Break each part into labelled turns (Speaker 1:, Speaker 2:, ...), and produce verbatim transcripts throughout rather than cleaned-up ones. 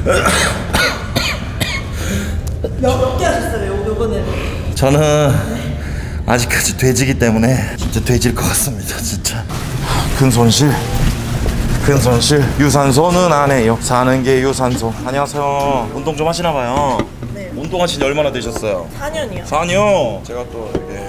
Speaker 1: 몇 개 하셨어요, 요- 요거는?
Speaker 2: 저는 네. 아직까지 돼지기 때문에 진짜 돼질 것 같습니다. 진짜 큰 손실 큰 손실. 유산소는 안 해요. 사는 게 유산소. 안녕하세요. 운동 좀 하시나 봐요.
Speaker 1: 네.
Speaker 2: 운동하신 지 얼마나 되셨어요?
Speaker 1: 사 년이요.
Speaker 2: 사 년. 제가 또 이렇게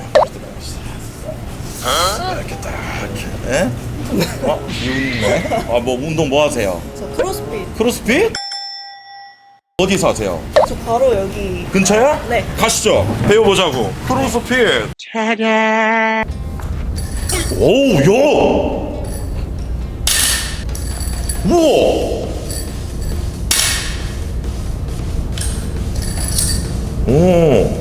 Speaker 2: 이렇게 딱 이렇게. 예? 어? 비웃네. 아, 뭐 운동 뭐 하세요?
Speaker 1: 저 크로스핏.
Speaker 2: 크로스핏? 어디서 하세요?
Speaker 1: 저 바로 여기.
Speaker 2: 근처야?
Speaker 1: 네.
Speaker 2: 가시죠. 배워보자고. 크로스핏. 차량. 오우, 야! 우와! 오.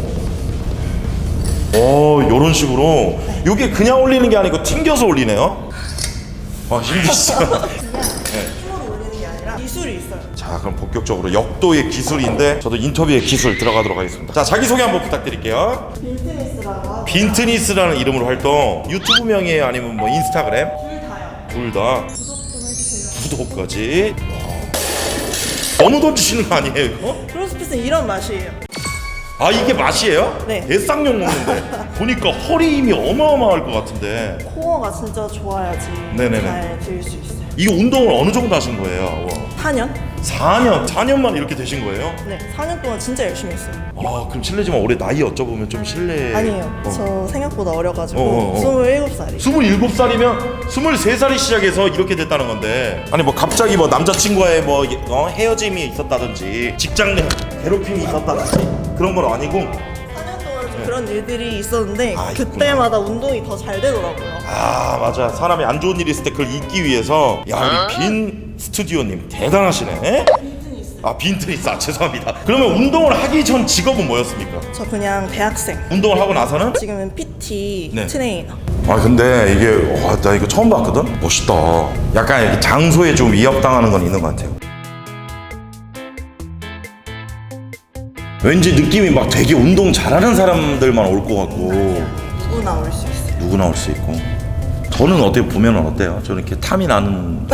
Speaker 2: 어, 요런 식으로. 요게 그냥 올리는 게 아니고 튕겨서 올리네요. 아, 힘드시죠?
Speaker 1: 힘으로 올리는 게 아니라 기술이 있어요.
Speaker 2: 자, 그럼 본격적으로 역도의 기술인데 저도 인터뷰의 기술 들어가도록 하겠습니다. 자, 자기소개 한번 부탁드릴게요.
Speaker 1: 빈트니스라고 하고
Speaker 2: 빈트니스라는 이름으로 활동. 유튜브명이에요? 아니면 뭐 인스타그램?
Speaker 1: 둘 다요.
Speaker 2: 둘 다.
Speaker 1: 구독 좀 해주세요.
Speaker 2: 구독까지. 너무 던지시는 거 아니에요, 이거?
Speaker 1: 크로스핏은 이런 맛이에요.
Speaker 2: 아, 이게 맛이에요?
Speaker 1: 네.
Speaker 2: 대쌍용 먹는데 보니까 허리 힘이 어마어마할 것 같은데.
Speaker 1: 코어가 진짜 좋아야지
Speaker 2: 네네네.
Speaker 1: 잘 들 수 있어요.
Speaker 2: 이 운동을 어느 정도 하신 거예요?
Speaker 1: 사 년?
Speaker 2: 사 년, 사 년 만에 이렇게 되신 거예요?
Speaker 1: 네, 사 년 동안 진짜 열심히 했어요.
Speaker 2: 아, 그럼 실례지만 올해 나이 여쭤보면 좀 실례.
Speaker 1: 아니에요.
Speaker 2: 어.
Speaker 1: 저 생각보다 어려가지고
Speaker 2: 어, 어, 어.
Speaker 1: 스물일곱 살이.
Speaker 2: 스물일곱 살이면 스물세 살이 시작해서 이렇게 됐다는 건데, 아니 뭐 갑자기 뭐 남자친구와의 뭐 어, 헤어짐이 있었다든지 직장 내 괴롭힘이 있었다든지 그런 건 아니고.
Speaker 1: 사 년 동안 좀 그런 일들이 있었는데
Speaker 2: 아,
Speaker 1: 그때마다 운동이 더 잘 되더라고요.
Speaker 2: 아, 맞아. 사람이 안 좋은 일이 있을 때 그걸 잊기 위해서. 야, 우리 빈 스튜디오님 대단하시네.
Speaker 1: 빈트니스.
Speaker 2: 아, 빈트니스. 아, 죄송합니다. 그러면 운동을 하기 전 직업은 뭐였습니까?
Speaker 1: 저 그냥 대학생.
Speaker 2: 운동을 하고 나서는?
Speaker 1: 지금은 피티
Speaker 2: 네.
Speaker 1: 트레이너.
Speaker 2: 아, 근데 이게 와, 나 이거 처음 봤거든? 멋있다. 약간 이렇게 장소에 좀 위협당하는 건 있는 것 같아요. 왠지 느낌이 막 되게 운동 잘하는 사람들만 올 것 같고.
Speaker 1: 누구나 올 수 있어요.
Speaker 2: 누구나 올 수 있고. 저는 어떻게 보면 어때요? 저는 이렇게 탐이 나는.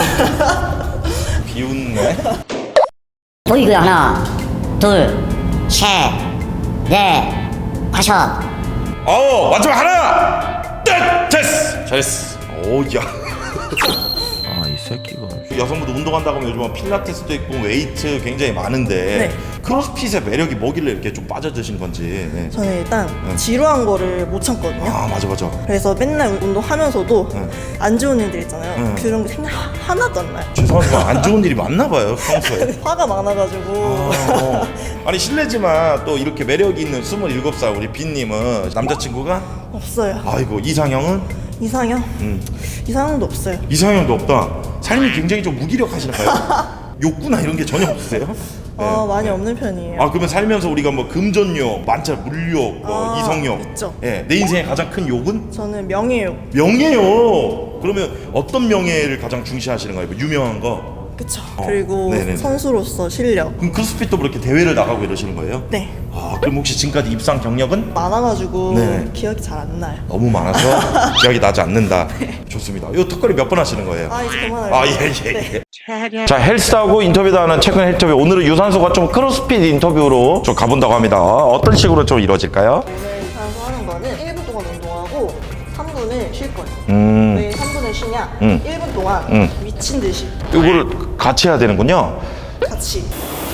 Speaker 2: 비웃네.
Speaker 3: 보이고요. 하나, 둘, 셋, 넷, 다섯.
Speaker 2: 어, 마지막 하나. 끝. 됐어. 잘했어. 오, 야. 아, 이 새끼가. 여성분들 운동한다고 하면 요즘은 필라테스도 있고 웨이트 굉장히 많은데
Speaker 1: 네.
Speaker 2: 크로스핏의 매력이 뭐길래 이렇게 좀 빠져드신 건지. 네.
Speaker 1: 저는 일단 지루한 거를 못 참거든요.
Speaker 2: 아, 맞아 맞아.
Speaker 1: 그래서 맨날 운동하면서도
Speaker 2: 네.
Speaker 1: 안 좋은 일들 있잖아요.
Speaker 2: 네.
Speaker 1: 그런 게 생각 하나도 안 나요.
Speaker 2: 죄송하지만 안 좋은 일이 많나 봐요, 평소에.
Speaker 1: 화가 많아가지고.
Speaker 2: 아, 어. 아니 실례지만 또 이렇게 매력이 있는 스물일곱 살 우리 빈님은 남자친구가?
Speaker 1: 없어요.
Speaker 2: 아이고, 이상형은?
Speaker 1: 이상형?
Speaker 2: 음.
Speaker 1: 이상형도 없어요.
Speaker 2: 이상형도 없다. 삶이 굉장히 좀 무기력하시나봐요. 욕구나 이런 게 전혀 없으세요?
Speaker 1: 어,
Speaker 2: 네.
Speaker 1: 많이 없는 편이에요.
Speaker 2: 아, 그러면 살면서 우리가 뭐 금전욕, 만차 물욕, 뭐
Speaker 1: 아,
Speaker 2: 이성욕,
Speaker 1: 있죠.
Speaker 2: 예, 내 인생의 가장 큰 욕은
Speaker 1: 저는 명예욕.
Speaker 2: 명예요. 그러면 어떤 명예를 가장 중시하시는 거예요? 뭐 유명한 거?
Speaker 1: 그쵸.
Speaker 2: 어,
Speaker 1: 그리고
Speaker 2: 네네네.
Speaker 1: 선수로서 실력.
Speaker 2: 그럼 크로스핏도 그렇게 대회를 나가고 이러시는 거예요?
Speaker 1: 네.
Speaker 2: 아, 그럼 혹시 지금까지 입상 경력은?
Speaker 1: 많아가지고
Speaker 2: 네.
Speaker 1: 기억이 잘 안 나요.
Speaker 2: 너무 많아서 기억이 나지 않는다. 좋습니다. 이 턱걸이 몇 번 하시는 거예요?
Speaker 1: 아, 이제 그만할게요.
Speaker 2: 아, 예, 예,
Speaker 1: 네.
Speaker 2: 예. 자, 헬스하고 인터뷰도 하는 최근 헬스터뷰. 오늘은 유산소가 좀 크로스핏 인터뷰로 좀 가본다고 합니다. 어떤 식으로 좀 이루어질까요?
Speaker 1: 오늘 유산소 하는 거는 일 분 동안 운동하고 삼 분을 쉴 거예요.
Speaker 2: 음,
Speaker 1: 왜 삼 분을 쉬냐?
Speaker 2: 음.
Speaker 1: 일 분 동안
Speaker 2: 음.
Speaker 1: 미친 듯이
Speaker 2: 이거를 같이 해야 되는군요.
Speaker 1: 같이.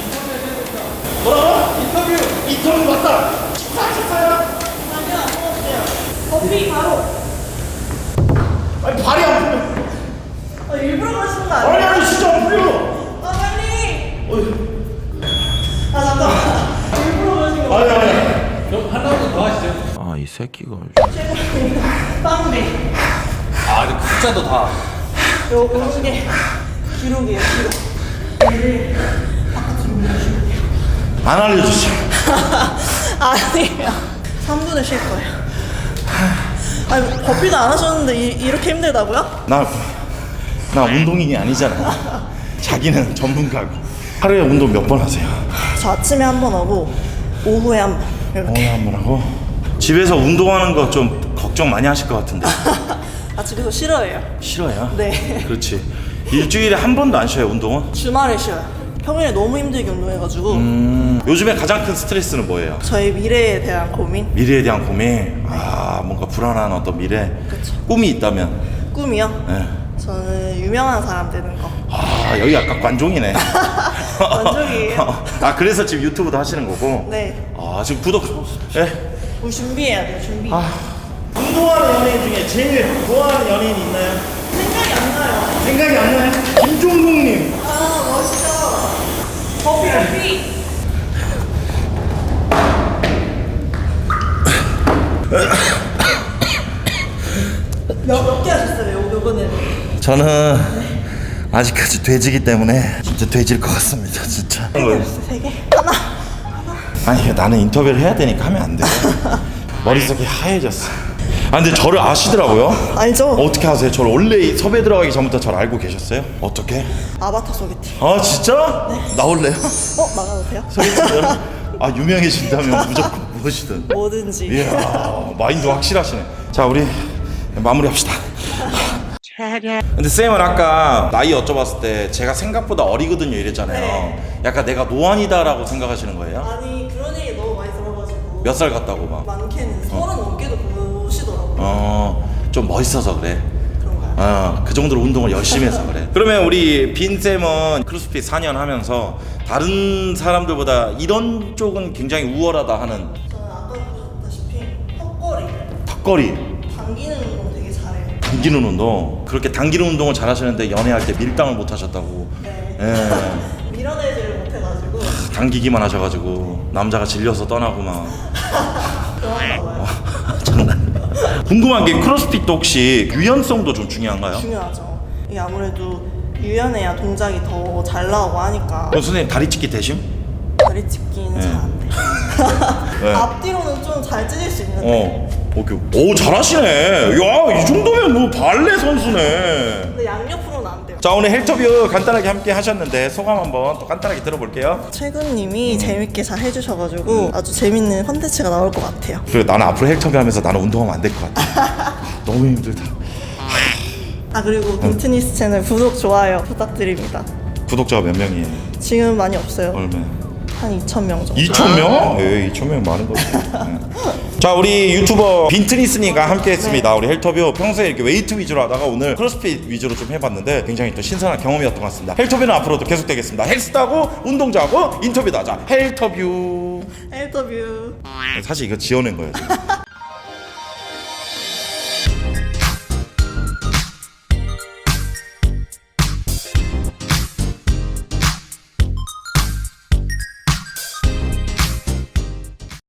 Speaker 2: 뭐라고? 인터뷰! 인터뷰 맞다! 식사하셨어요?
Speaker 1: 아니요, 안 먹었어요. 커피 바로.
Speaker 2: 아니, 발이 안 풀려.
Speaker 1: 아, 일부러 그러시는 거
Speaker 2: 아니,
Speaker 1: 아니에요?
Speaker 2: 아니, 진짜 안 풀려.
Speaker 1: 아, 빨리!
Speaker 2: 어이.
Speaker 1: 아, 잠깐만. 일부러 그러신 거
Speaker 2: 아니, 아니.
Speaker 4: 아, 이 새끼가.
Speaker 1: 빵배.
Speaker 4: 아, 근데 숫자도 다.
Speaker 1: 요, 요런 게 기록이에요, 기록. 얘를 바깥으로 밀어주면 돼요.
Speaker 2: 안 알려주세요.
Speaker 1: 아니에요. 삼 분을 쉴 거예요. 아니, 버피도 안 하셨는데 이, 이렇게 힘들다고요?
Speaker 2: 나, 나 운동인이 아니잖아. 자기는 전문가고. 하루에 운동 몇 번 하세요?
Speaker 1: 저 아침에 한 번 하고 오후에 한 번 이렇게.
Speaker 2: 오늘 한 번 하고. 집에서 운동하는 거 좀 걱정 많이 하실 것 같은데.
Speaker 1: 아, 집에서 싫어해요.
Speaker 2: 싫어요?
Speaker 1: 네.
Speaker 2: 그렇지. 일주일에 한 번도 안 쉬어요, 운동은?
Speaker 1: 주말에 쉬어요. 평일에 너무 힘들게 운동해가지고
Speaker 2: 음, 요즘에 가장 큰 스트레스는 뭐예요?
Speaker 1: 저희 미래에 대한 고민?
Speaker 2: 미래에 대한 고민. 아, 뭔가 불안한 어떤 미래.
Speaker 1: 그쵸.
Speaker 2: 꿈이 있다면.
Speaker 1: 꿈이요?
Speaker 2: 네.
Speaker 1: 저는 유명한 사람 되는 거.
Speaker 2: 아, 여기 약간 관종이네.
Speaker 1: 관종이에요.
Speaker 2: 아, 그래서 지금 유튜브도 하시는 거고.
Speaker 1: 네.
Speaker 2: 아, 지금 구독. 예.
Speaker 1: 우리 준비해야 돼요, 준비.
Speaker 2: 아. 운동하는 연예인 중에 제일 좋아하는 연예인이 있나요?
Speaker 1: 생각이 안 나요.
Speaker 2: 생각이 안 나요? 김종국님.
Speaker 1: 아, 멋있다. 커피, 커피. 몇, 몇 개 하셨어요, 요- 요거는?
Speaker 2: 저는 아직까지 돼지기 때문에 진짜 돼질 것 같습니다, 진짜.
Speaker 1: 세 개 하셨어요, 세 개? 하나.
Speaker 2: 아니, 나는 인터뷰를 해야 되니까 하면 안 돼. 머릿속이 하얘졌어. 아, 근데 저를 아시더라고요.
Speaker 1: 알죠?
Speaker 2: 어떻게 아세요? 저를 원래 이 섭외 들어가기 전부터 저를 알고 계셨어요? 어떻게?
Speaker 1: 아바타 소개팅.
Speaker 2: 아, 진짜? 네. 나올래요?
Speaker 1: 어, 나가도 돼요?
Speaker 2: 소개팅을? 아, 유명해진다면 무조건 무엇이든.
Speaker 1: 뭐든지.
Speaker 2: 이야, 마인드 확실하시네. 자, 우리 마무리합시다. 근데 쌤은 아까 나이 여쭤봤을 때 제가 생각보다 어리거든요 이랬잖아요.
Speaker 1: 네.
Speaker 2: 약간 내가 노안이다라고 생각하시는 거예요?
Speaker 1: 아니, 그런 얘기 너무 많이 들어가지고.
Speaker 2: 몇 살 같다고 막?
Speaker 1: 많게는 서른 넘게도 보시더라고요.
Speaker 2: 어, 좀 멋있어서 그래.
Speaker 1: 그런가요?
Speaker 2: 어, 그 정도로 운동을 열심히 해서 그래. 그러면 우리 빈 쌤은 크로스핏 사 년 하면서 다른 사람들보다 이런 쪽은 굉장히 우월하다 하는
Speaker 1: 저는 아까 보셨다시피 턱걸이,
Speaker 2: 턱걸이,
Speaker 1: 당기는 운동 되게 잘해요.
Speaker 2: 당기는 운동. 그렇게 당기는 운동을 잘하시는데 연애할 때 밀당을 못 하셨다고.
Speaker 1: 네.
Speaker 2: 예.
Speaker 1: 밀어내지를 못해가지고
Speaker 2: 당기기만 하셔가지고 남자가 질려서 떠나고 막.
Speaker 1: 그런가 봐요.
Speaker 2: 장난. 궁금한 게 크로스핏도 혹시 유연성도 좀 중요한가요?
Speaker 1: 중요하죠. 이게 아무래도 유연해야 동작이 더 잘 나오고 하니까
Speaker 2: 그럼 선생님 다리 찢기 되심?
Speaker 1: 다리 찢기는
Speaker 2: 네.
Speaker 1: 잘 안 돼요.
Speaker 2: 네.
Speaker 1: 앞뒤로는 좀 잘 찢을 수 있는데
Speaker 2: 어. 오케이. 오, 잘하시네. 야, 이 정도면 뭐 발레 선수네.
Speaker 1: 근데 양옆으로는 안 돼요.
Speaker 2: 자, 오늘 헬터뷰 간단하게 함께 하셨는데 소감 한번 또 간단하게 들어볼게요.
Speaker 1: 최근님이
Speaker 2: 음.
Speaker 1: 재밌게 잘 해주셔가지고 아주 재밌는 컨텐츠가 나올 것 같아요.
Speaker 2: 그리고 나는 앞으로 헬터뷰 하면서 나는 운동하면 안 될 것 같아. 너무 힘들다.
Speaker 1: 아 그리고 빈트니스 채널 구독, 좋아요 부탁드립니다.
Speaker 2: 구독자가 몇 명이에요?
Speaker 1: 지금 많이 없어요.
Speaker 2: 얼마?
Speaker 1: 한 이천 명 정도.
Speaker 2: 이천 명? 예, 이천 명 많은 거지. 네. 자, 우리 유튜버 빈트니스님과 함께 했습니다. 우리 헬터뷰 평소에 이렇게 웨이트 위주로 하다가 오늘 크로스핏 위주로 좀 해봤는데 굉장히 또 신선한 경험이었던 것 같습니다. 헬터뷰는 앞으로도 계속되겠습니다. 헬스하고 운동자하고 인터뷰도 하자. 헬터뷰.
Speaker 1: 헬터뷰.
Speaker 2: 사실 이거 지어낸 거예요, 지금.